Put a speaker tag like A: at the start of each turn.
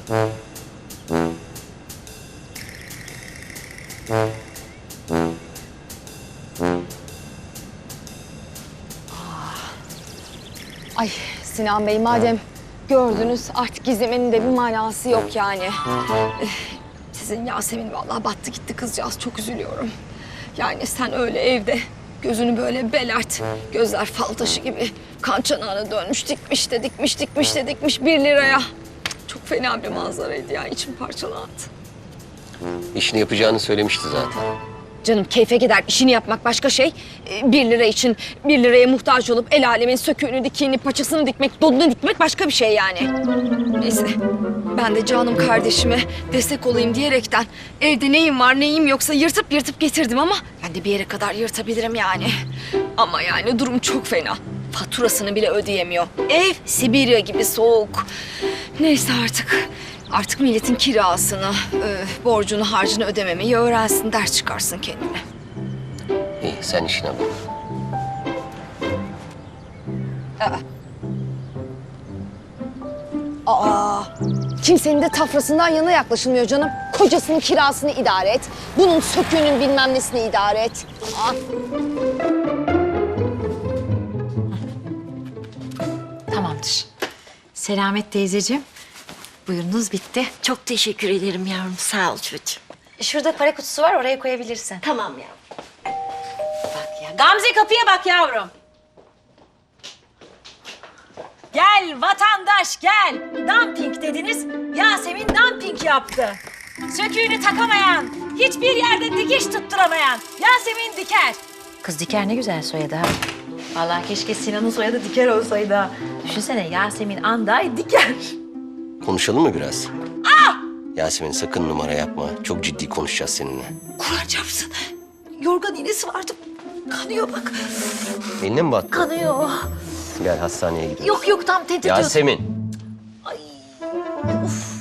A: Ay Sinan Bey, madem gördünüz artık gizlemenin de bir manası yok yani. Sizin Yasemin vallahi battı gitti kızcağız, çok üzülüyorum. Yani sen öyle evde gözünü böyle belert, gözler fal taşı gibi kan çanağına dönmüş, dikmiş de dikmiş, dikmiş de dikmiş 1 liraya. Çok fena bir manzaraydı ya, içim parçalandı.
B: İşini yapacağını söylemişti zaten.
A: Canım keyfe gider, işini yapmak başka şey. 1 lira için 1 liraya muhtaç olup el alemin söküğünü, dikiğini, paçasını dikmek, donunu dikmek başka bir şey yani. Neyse, ben de canım kardeşime destek olayım diyerekten evde neyim var neyim yoksa yırtıp getirdim ama ben de bir yere kadar yırtabilirim yani. Ama yani durum çok fena. Faturasını bile ödeyemiyor. Ev Sibirya gibi soğuk. Neyse artık. Artık milletin kirasını, borcunu, harcını ödememeyi öğrensin, ders çıkarsın kendine.
B: İyi, sen işine bak.
A: Kimsenin de tafrasından yana yaklaşılmıyor canım. Kocasının kirasını idare et. Bunun söküğünün bilmem nesini idare et.
C: Tamamdır. Selamet teyzeciğim. Buyurunuz bitti.
D: Çok teşekkür ederim yavrum. Sağ ol çocuğum.
C: Şurada para kutusu var, oraya koyabilirsin.
D: Tamam yavrum.
C: Bak ya. Gamze kapıya bak yavrum. Gel vatandaş gel. Dumping dediniz. Yasemin dumping yaptı. Söküğünü takamayan, hiçbir yerde dikiş tutturamayan Yasemin Diker. Kız Diker ne güzel soyadı ha. Vallahi keşke Sinan'ın soyadı Diker olsaydı ha. Düşünsene Yasemin Anday Diker.
B: Konuşalım mı biraz? Yasemin sakın numara yapma. Çok ciddi konuşacağız seninle.
D: Kur'an çarpsın. Yorgan iğnesi vardı. Kanıyor bak.
B: Eline mi battı?
D: Kanıyor.
B: Gel hastaneye gidelim.
D: Yok tam tehdit ediyorsun.
B: Yasemin.
D: Ay. Of.